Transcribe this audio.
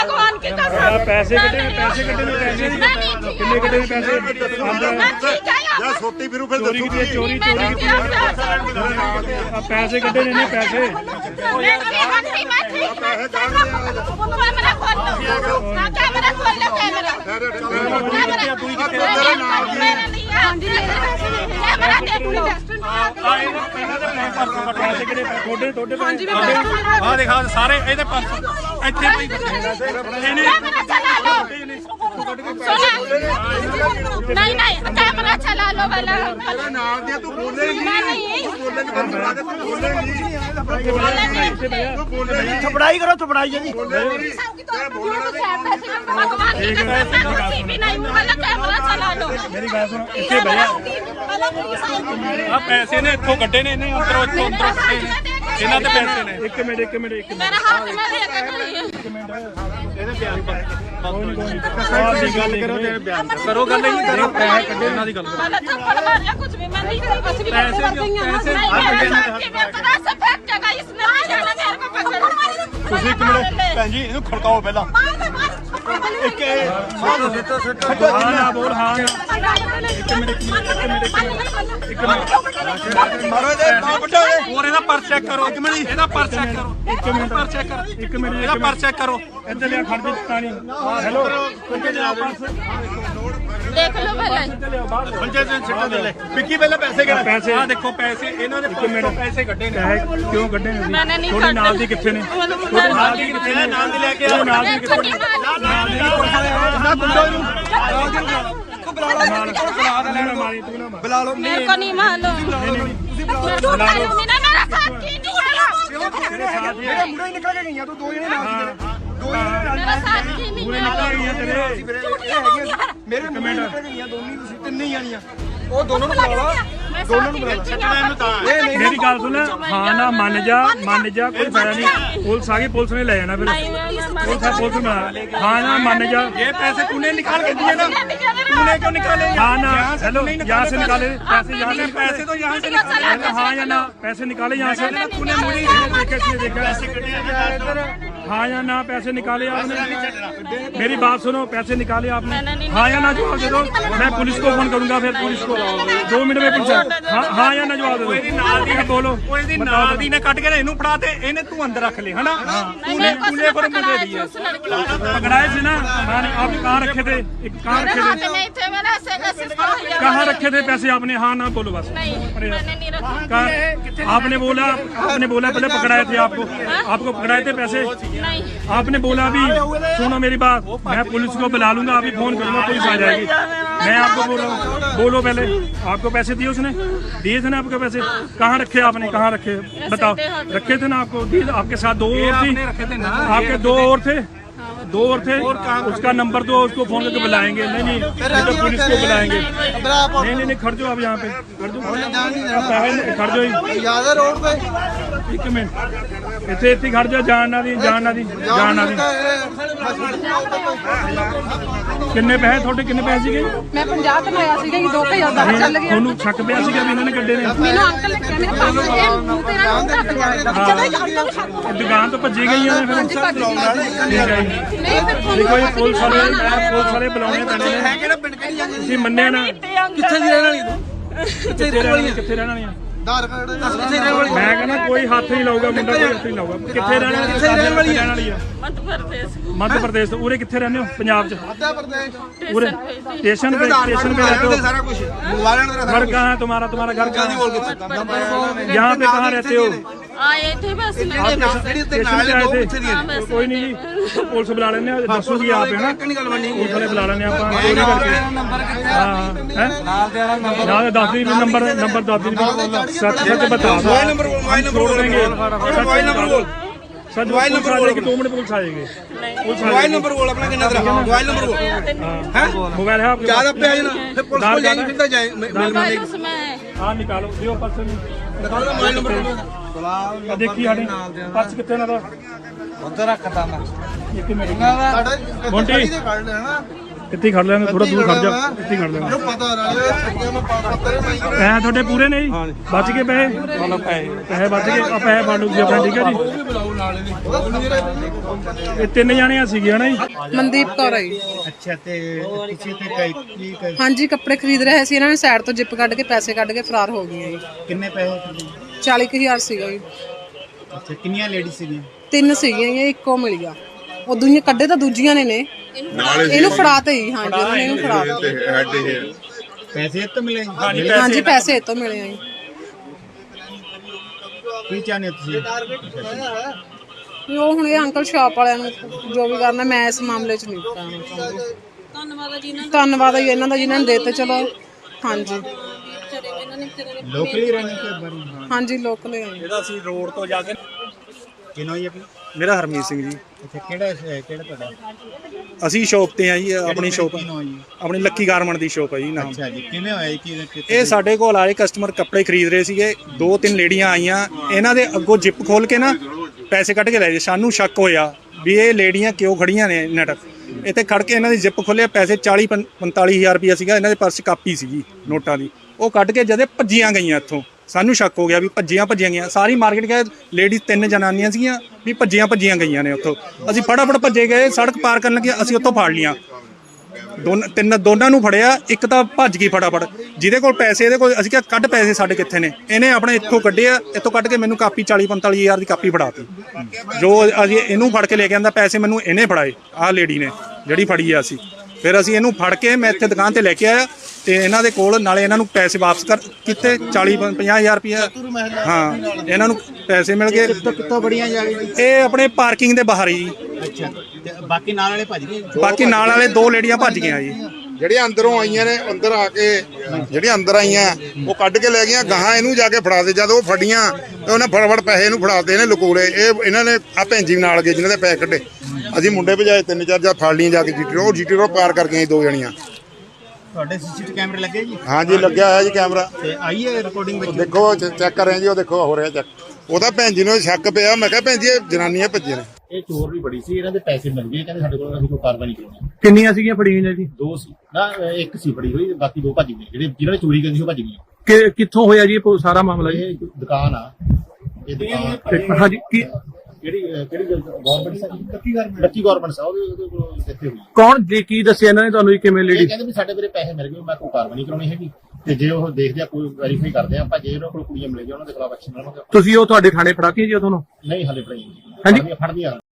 भगवान की कसम पैसे कटे पैसे कितने कटे पैसे या छोटी फिर फिर चोरी की चोरी पैसे कटे ने पैसे दिखा सारे नहीं नहीं कैमरा चला लो वाला तू बोलेगी थपड़ाई करो थपड़ाई जी कैमरा चला लो मेरी बात सुनो इतने भैया पैसे ने इतों कटे ने अंदरों इन्हों के पैसे ने एक मिनट मेरा हाथ में करो गल करो पैसे कटे इन्हों की गल थप्पड़ मारिया कुछ भी मैं नहीं करी बस भी ਤੁਸੀਂ ਇੱਕ ਮਿੰਟ ਭੈਣ ਜੀ ਇਹਨੂੰ ਖੜਕਾਓ ਪਹਿਲਾਂ ਇੱਕ ਹਾਂ ਨਾ ਬੋਲ ਹਾਂ ਇੱਕ ਮਿੰਟ ਮਾਰੋ ਇਹਦੇ ਹੋਰ ਇਹਦਾ ਪਰਸ ਚੈੱਕ ਕਰੋ ਇੱਕ ਮਿੰਟ ਇਹਦਾ ਪਰਸ ਚੈੱਕ ਕਰੋ ਇੱਕ ਮਿੰਟ ਇਹਦਾ ਪਰਸ ਚੈੱਕ ਕਰੋ ਇੱਧਰ ਲਿਆ ਖੜ ਦੇ ਪਾਣੀ ਹੈਲੋ ਕਿੱਥੇ ਜਾ ਪਰਸ देख लो पहले ਪੰਜੇ ਦੇ ਸਿੱਟਾ ਦੇ ਲੈ ਵਿੱਕੀ ਪਹਿਲਾਂ ਪੈਸੇ ਕਿਹੜਾ ਪੈਸੇ ਆ ਦੇਖੋ ਪੈਸੇ ਇਹਨਾਂ ਦੇ ਪੈਸੇ ਕੱਢੇ ਨੇ ਕਿਉਂ ਕੱਢੇ ਨੇ मैंने नहीं ਤੁਹਾਡੇ ਨਾਲ ਦੀ ਕਿੱਥੇ ਨੇ ਨਾਲ ਦੀ ਕਿੱਥੇ ਨੇ ਨਾਲ ਦੀ ਲੈ ਕੇ ਆਓ ਨਾਲ ਦੀ ਕਿੱਥੇ ਨਾ ਗੁੰਡਾ ਨੂੰ बुला लो मेरे को नहीं मालूम मेरा साथ की नहीं है मेरा मुंडा ही निकल के गई तू दो जने नाल मेरा साथ की नहीं है मेरे मुंडे निकल गई दोनों ਤੁਸੀਂ ਤਿੰਨੇ ਹੀ ਆਣੀਆਂ ਉਹ ਦੋਨੋਂ ਨੂੰ ਬੁਲਾ ਲਾ ਦੋਨੋਂ ਨੂੰ ਬੁਲਾ ਮੇਰੀ ਗੱਲ ਸੁਣ ਹਾਂ ਨਾ ਮੰਨ ਜਾ ਕੋਈ ਫਾਇਦਾ ਨਹੀਂ ਪੁਲਿਸ ਆ ਗਈ ਪੁਲਿਸ ਨੇ ਲੈ ਜਾਣਾ ਫਿਰ ਪੁਲਿਸ में हाँ ना मान जा ये पैसे तूने निकाल के दिए ना तूने क्यों निकाले हाँ ना हेलो यहाँ से निकाले पैसे यहाँ से पैसे तो यहाँ से निकाले हाँ या ना पैसे निकाले यहाँ से तूने मुड़ी देखा हाँ या ना पैसे निकाले आपने मेरी बात सुनो पैसे निकाले आपने हाँ या ना जवाब दे दो मैं पुलिस को फोन करूंगा फिर पुलिस को 2 मिनट में पुलिस हाँ या ना जवाब दे दो बोलो ਨਾਲ ਦੀ ਨੇ ਕੱਟ ਕੇ ਇਹਨੂੰ ਫੜਾ ਤੇ ਇਹਨੇ ਤੂੰ ਅੰਦਰ ਰੱਖ ਲੈ ਹਨਾ तूने पर मुझे दिया पकड़ाए थे ना आप कहाँ रखे थे कहाँ रखे थे कहाँ रखे थे पैसे आपने हाँ ना बोलो बस आपने बोला पहले पकड़ाए थे आपको पकड़ाए थे पैसे आपने बोला अभी सुनो मेरी बात मैं पुलिस को बुला लूंगा अभी फोन करूंगा पुलिस आ जाएगी मैं आपको बोल रहा हूँ बोलो पहले आपको पैसे दिए उसने दिए थे ना आपको पैसे कहाँ रखे आपने कहाँ रखे बताओ रखे थे ना आपको दिए आपके साथ 2 और थी आपके 2 और थे उसका नंबर दो उसको फोन करके बुलाएंगे नहीं तो पुलिस को बुलाएंगे नहीं खड़ जाओ आप यहाँ पे खड़ जाओ रोड पे 1 मिनट इतने खड़ जाओ जानना दी किन्ने पैसे थोड़े किन्ने पैसे सीगे मैं 50 कमाया सीगा 2000 ਦਾ ਚੱਲ ਗਿਆ ਤੁਹਾਨੂੰ ਸ਼ੱਕ ਪਿਆ ਸੀਗਾ ਵੀ ਇਹਨਾਂ ਨੇ ਕੱਢੇ ਨੇ ਮੈਨੂੰ ਅੰਕਲ ਨੇ ਕਿਹਾ ਮੇਰੇ ਪਾਸ ਇਹ ਮੂੰਹ ਤੇ ਨਾਲ ਢੱਕ ਗਿਆ ਜਦੋਂ ਅੰਕਲ ਨੇ ਸ਼ੱਕ ਦੁਕਾਨ ਤੋਂ ਭੱਜੀ ਗਈਆਂ ਨੇ ਫਿਰ ਠੀਕ ਹੈ ਜੀ ਨਹੀਂ ਫਿਰ ਦੇਖੋ ਇਹ ਪੁਲਿਸ ਵਾਲੇ ਬੁਲਾਉਣੇ ਪੈਣੇ ਨੇ ਤੁਸੀਂ ਮੰਨਿਆ ਨਾ ਕਿੱਥੇ ਦੀ ਰਹਿਣ ਵਾਲੀ ਤੂੰ ਕਿੱਥੇ ਰਹਿਣ ਵਾਲੀਆਂ ਮੈਂ ਕਹਿੰਦਾ ਕੋਈ ਹੱਥ ਨਹੀਂ ਲਾਊਗਾ ਮੁੰਡਾ ਕੋਈ ਹੱਥ ਨਹੀਂ ਲਾਊਗਾ ਕਿੱਥੇ ਰਹਿਣ ਵਾਲੀ ਹੈ मध्य प्रदेश तो उरे कितने रहने हो पंजाब च उरे स्टेशन पे रहते हो घर कहाँ है तुम्हारा घर कहाँ है यहाँ पे कहाँ रहते हो आए थे बस स्टेशन पे आए थे कोई नहीं जी पुलिस बुला लेने दसूगी आप है ना पुलिस वाले बुला लेने दस दिन नंबर सच बता दो सर मोबाइल नंबर बोल 2 मिनट पुलिस आएगी मोबाइल नंबर बोल अपना कितना तेरा मोबाइल नंबर बोल हैं मोबाइल है आपके ज्यादा पे आए ना फिर पुलिस को जाएंगे फिर जाए मोबाइल उसमें हां निकालो दियो पर्स निकालो मोबाइल नंबर देखी हाडी पर्स कितने ना उधर रखता मैं एक मिनट मोंटी ਇੱਥੇ ਹੀ ਖੜ ਲੈਣਾ, ਥੋੜਾ ਦੂਰ ਖੜ ਜਾ, ਇੱਥੇ ਹੀ ਖੜ ਲੈਣਾ। ਪਤਾ ਨਾ ਪੈਸੇ ਤੁਹਾਡੇ ਪੂਰੇ ਨੇ ਜੀ? ਬਚ ਗਏ ਪੈਸੇ? ਪੈਸੇ ਬਚ ਗਏ, ਆ ਪੈਸੇ ਫੜ ਲਓ ਜੀ ਆਪਣੇ, ਠੀਕ ਹੈ ਜੀ। ਇਹ 3 ਜਾਣੇ ਸੀਗੇ ਹਨਾ ਜੀ? ਮਨਦੀਪ ਕੌਰ ਹੈ ਜੀ। ਅੱਛਾ ਤੇ ਤੁਸੀਂ ਤੇ ਕੀ ਹਾਂਜੀ ਕੱਪੜੇ ਖਰੀਦ ਰਹੇ ਸੀ, ਇਹਨਾਂ ਨੇ ਸਾਈਡ ਤੋਂ ਜਿੱਪ ਕੱਢ ਕੇ ਪੈਸੇ ਕੱਢ ਕੇ ਫਰਾਰ ਹੋ ਗਏ ਜੀ। ਕਿੰਨੇ ਪੈਸੇ 40,000 ਸੀਗਾ ਜੀ। ਅੱਛਾ ਕਿੰਨੀਆਂ ਲੇਡੀਜ਼ ਸੀਗੀਆਂ? 3 ਸੀਗੀਆਂ ਜੀ, ਇੱਕੋ ਮਿਲ ਗਿਆ। ਉਹ ਦੂਜੀਆਂ ਕੱਢੇ ਤਾਂ ਦੂਜੀਆਂ ਨੇ ਇਹਨੂੰ ਫੜਾਤੇ ਜੀ। ਹਾਂਜੀ ਉਹਨਾਂ ਨੇ ਇਹਨੂੰ ਫੜਾਤੇ। ਪੈਸੇ ਇਹ ਤੋਂ ਮਿਲੇ? ਹਾਂਜੀ ਪੈਸੇ ਇਹ ਤੋਂ ਮਿਲੇ ਆ ਜੀ। ਕੀ ਚਾਹੁੰਦੇ ਹੋ ਤੁਸੀਂ? ਵੀ ਉਹ ਹੁਣ ਇਹ ਅੰਕਲ ਸ਼ਾਪ ਵਾਲਿਆਂ ਨੂੰ ਜੋ ਵੀ ਕਰਨਾ, ਮੈਂ ਇਸ ਮਾਮਲੇ 'ਚ ਨਹੀਂ ਕਰਨਾ ਚਾਹੁੰਦੀ। ਧੰਨਵਾਦ ਹੈ ਜੀ ਇਹਨਾਂ ਦਾ ਜਿਨ੍ਹਾਂ ਨੇ ਦੇਤੇ। ਚਲੋ ਹਾਂਜੀ ਲੋਕਲੀ ਰਹਿਣੇ ਤੇ ਬਾਰੇ? ਹਾਂਜੀ ਲੋਕਲ ਹੈ ਜੀ। ਜਿਹੜਾ ਅਸੀਂ ਰੋਡ ਤੋਂ ਜਾ ਕੇ ਕਿਨੋ ਹੀ ਆਪਣੀ? ਮੇਰਾ ਹਰਮੀਤ ਸਿੰਘ ਜੀ। ਅੱਛਾ ਕਿਹੜਾ ਤੁਹਾਡਾ? ਅਸੀਂ ਸ਼ੌਪ ਤੇ ਆ ਜੀ, ਆਪਣੀ ਸ਼ੌਪ ਕਿਨੋ ਜੀ? ਆਪਣੀ ਲੱਕੀ ਗਾਰਮੈਂਟ ਦੀ ਸ਼ੌਪ ਹੈ ਜੀ ਨਾਮ। ਅੱਛਾ ਜੀ ਕਿਵੇਂ ਹੋਇਆ ਜੀ? ਇਹ ਸਾਡੇ ਕੋਲ ਆਏ ਕਸਟਮਰ ਕੱਪੜੇ ਖਰੀਦ ਰਹੇ ਸੀਗੇ, 2-3 ਲੇਡੀਆਂ ਆਈਆਂ, ਇਹਨਾਂ ਦੇ ਅੱਗੋਂ ਜਿੱਪ ਖੋਲ ਕੇ ਨਾ ਪੈਸੇ ਕੱਢ ਕੇ ਲੈ ਗਏ। ਸਾਨੂੰ ਸ਼ੱਕ ਹੋਇਆ ਵੀ ਇਹ ਲੇਡੀਆਂ ਕਿਉਂ ਖੜੀਆਂ ਨੇ ਨਟ ਇੱਥੇ ਖੜ ਕੇ। ਇਹਨਾਂ ਦੀ ਜਿੱਪ ਖੋਲਿਆ, ਪੈਸੇ 40-45,000 ਰੁਪਇਆ ਸੀਗਾ ਇਹਨਾਂ ਦੇ ਪਰਸ 'ਚ, ਕਾਪੀ ਸੀਗੀ ਨੋਟਾਂ ਦੀ। ਉਹ ਕੱਢ ਕੇ ਜਦੇ ਭੱਜੀਆਂ ਗਈਆਂ ਇੱਥੋਂ। ਸਾਨੂੰ ਸ਼ੱਕ ਹੋ ਗਿਆ ਵੀ ਭੱਜੀਆਂ ਗਈਆਂ। ਸਾਰੀ ਮਾਰਕੀਟ ਗਏ, ਲੇਡੀਜ਼ 3 ਜਨਾਨੀਆਂ ਸੀਗੀਆਂ ਵੀ ਭੱਜੀਆਂ ਗਈਆਂ ਨੇ ਉੱਥੋਂ। ਅਸੀਂ ਫਟਾਫਟ ਭੱਜੇ ਗਏ, ਸੜਕ ਪਾਰ ਕਰਨ ਲੱਗੇ, ਅਸੀਂ ਉੱਥੋਂ ਫੜ ਲੀਆਂ। ਦੋਨਾਂ ਨੂੰ ਫੜਿਆ, ਇੱਕ ਤਾਂ ਭੱਜ ਗਈ ਫਟਾਫਟ। ਜਿਹਦੇ ਕੋਲ ਪੈਸੇ, ਇਹਦੇ ਕੋਲ, ਅਸੀਂ ਕਿਹਾ ਕੱਢ ਪੈਸੇ ਸਾਡੇ ਕਿੱਥੇ ਨੇ? ਇਹਨੇ ਆਪਣੇ ਇੱਥੋਂ ਕੱਢਿਆ, ਇੱਥੋਂ ਕੱਢ ਕੇ ਮੈਨੂੰ ਕਾਪੀ 40-45,000 ਦੀ ਕਾਪੀ ਫੜਾਤੀ। ਜੋ ਅਸੀਂ ਇਹਨੂੰ ਫੜ ਕੇ ਲੈ ਕੇ ਆਂਦਾ, ਪੈਸੇ ਮੈਨੂੰ ਇਹਨੇ ਫੜਾਏ, ਆਹ ਲੇਡੀ ਨੇ ਜਿਹੜੀ ਫੜੀ ਆ। ਅਸੀਂ ਫਿਰ ਅਸੀਂ ਇਹਨੂੰ ਫੜ ਕੇ ਮੈਂ ਇੱਥੇ ਦੁਕਾਨ ਤੇ ਲੈ ਕੇ ਆਇਆ ਤੇ ਇਹਨਾਂ ਦੇ ਕੋਲ ਨਾਲੇ ਇਹਨਾਂ ਨੂੰ ਪੈਸੇ ਵਾਪਸ ਕੀਤੇ 40-50,000 ਰੁਪਇਆ। ਹਾਂ ਇਹਨਾਂ ਨੂੰ ਪੈਸੇ ਮਿਲ ਗਏ। ਕਿੱਥੋਂ ਬੜੀਆਂ ਜਾ ਰਹੀ? ਇਹ ਆਪਣੇ ਪਾਰਕਿੰਗ ਦੇ ਬਾਹਰ ਜੀ। ਅੱਛਾ ਤੇ ਬਾਕੀ ਨਾਲ ਵਾਲੇ ਭੱਜ ਗਏ? ਬਾਕੀ ਨਾਲ ਵਾਲੇ 2 ਲੇਡੀਆਂ ਭੱਜ ਗਈਆਂ ਜੀ। ਜਿਹੜੀਆਂ ਅੰਦਰੋਂ ਆਈਆਂ ਨੇ, ਅੰਦਰ ਆ ਕੇ ਜਿਹੜੀਆਂ ਅੰਦਰ ਆਈਆਂ ਉਹ ਕੱਢ ਕੇ ਲੈ ਗਈਆਂ। ਗਾਹਾਂ ਇਹਨੂੰ ਜਾ ਕੇ ਫੜਾ ਦੇ। ਜਦ ਉਹ ਫੜੀਆਂ ਤੇ ਉਹਨੇ ਫਟਾਫਟ ਪੈਸੇ ਇਹਨੂੰ ਫੜਾਤੇ, ਇਹਨੇ ਲਕੋਲੇ। ਇਹਨਾਂ ਨੇ ਆ ਭੈਣ ਜੀ ਨਾਲ ਗਏ ਜਿਨ੍ਹਾਂ ਦੇ ਪੈਸੇ ਕੱਢੇ। ਅਸੀਂ ਮੁੰਡੇ ਭਜਾਏ 3-4 ਜਾਂ ਫੜ ਲਈਆਂ ਜਾ ਕੇ ਜੀਟੀ ਰੋਡ ਪਾਰ ਕਰ ਗਈਆਂ 2 ਜਣੀਆਂ। ਤੁਹਾਡੇ ਸੀਸੀਟੀਵੀ ਕੈਮਰੇ ਲੱਗੇ ਜੀ? ਹਾਂਜੀ ਲੱਗਿਆ ਹੋਇਆ ਜੀ ਕੈਮਰਾ। ਤੇ ਆਈ ਹੈ ਰਿਕਾਰਡਿੰਗ ਵਿੱਚ? ਦੇਖੋ ਚੈੱਕ ਕਰ ਰਹੇ ਜੀ, ਉਹ ਦੇਖੋ ਹੋ ਰਿਹਾ ਚੈੱਕ। ਉਹਦਾ ਭੈਣ ਜੀ ਨੂੰ ਸ਼ੱਕ ਪਿਆ। ਮੈਂ ਕਿਹਾ ਭੈਣ ਜੀ ਇਹ ਜਨਾਨੀਆਂ ਭੱਜੀਆਂ ਨੇ। ਇਹ ਚੋਰ ਵੀ ਬੜੀ ਸੀ, ਇਹਨਾਂ ਦੇ ਪੈਸੇ ਮਿਲ ਗਏ, ਕਹਿੰਦੇ ਸਾਡੇ ਕੋਲ ਅਸੀਂ ਕੋਈ ਕਾਰਵਾਈ ਨਹੀਂ ਕਰਾਉਣੀ। ਕਿੰਨੀਆਂ ਸੀਗੀਆਂ ਫੜੀਆਂ ਨੇ ਜੀ? 2 ਸੀ ਨਾ, 1 ਸੀ ਫੜੀ ਹੋਈ, ਬਾਕੀ 2 ਭੱਜ ਗਏ। ਜਿਹਨਾਂ ਨੇ ਚੋਰੀ ਕੀਤੀ ਉਹ ਭੱਜ ਗਏ। ਕਿੱਥੋਂ ਹੋਇਆ ਜੀ ਇਹ ਸਾਰਾ ਮਾਮਲਾ ਜੀ? ਇਹ ਦੁਕਾਨ ਆ, ਇਹ ਦੁਕਾਨ ਹਾਂਜੀ ਕਿਹੜੀ ਗਵਰਨਮੈਂਟ ਲੱਕੀ ਗਵਰਨਮੈਂਟ ਆ, ਉਹਦੇ ਕੋਲ ਦਿੱਤੇ ਹੋਈ। ਕੌਣ ਜੀ ਕੀ ਦੱਸਿਆ ਇਹਨਾਂ ਨੇ ਤੁਹਾਨੂੰ ਕਿਵੇਂ ਇਹ ਲੇਡੀ? ਕਹਿੰਦੇ ਵੀ ਸਾਡੇ ਮੇਰੇ ਪੈਸੇ ਮਿਲ ਗਏ, ਮੈਂ ਕੋਈ ਕਾਰਵਾਈ ਨਹੀਂ ਕਰਾਉਣੀ ਹੈਗੀ। ਤੇ ਜੇ ਉਹ ਦੇਖਦੇ ਆ ਕੋਈ ਵੈਰੀਫਾਈ ਕਰਦੇ ਆ ਆਪਾਂ, ਜੇ ਉਹਨਾਂ ਕੋਲ ਕੁੜੀਆਂ ਮਿਲ ਗਈਆਂ ਉਹਨਾਂ ਦੇ ਖਿਲਾਫ ਐਕਸ਼ਨ ਲਵਾਂਗੇ। ਤੁਸੀਂ ਉਹ ਤੁਹਾਡੇ ਥਾਣੇ ਫੜਾਤੀ ਜੀ ਉਹ ਤੁਹਾਨੂੰ? ਨਹੀਂ ਹਾਲੇ ਫੜੀ ਹਾਂਜੀ। ਫੜਦੀਆਂ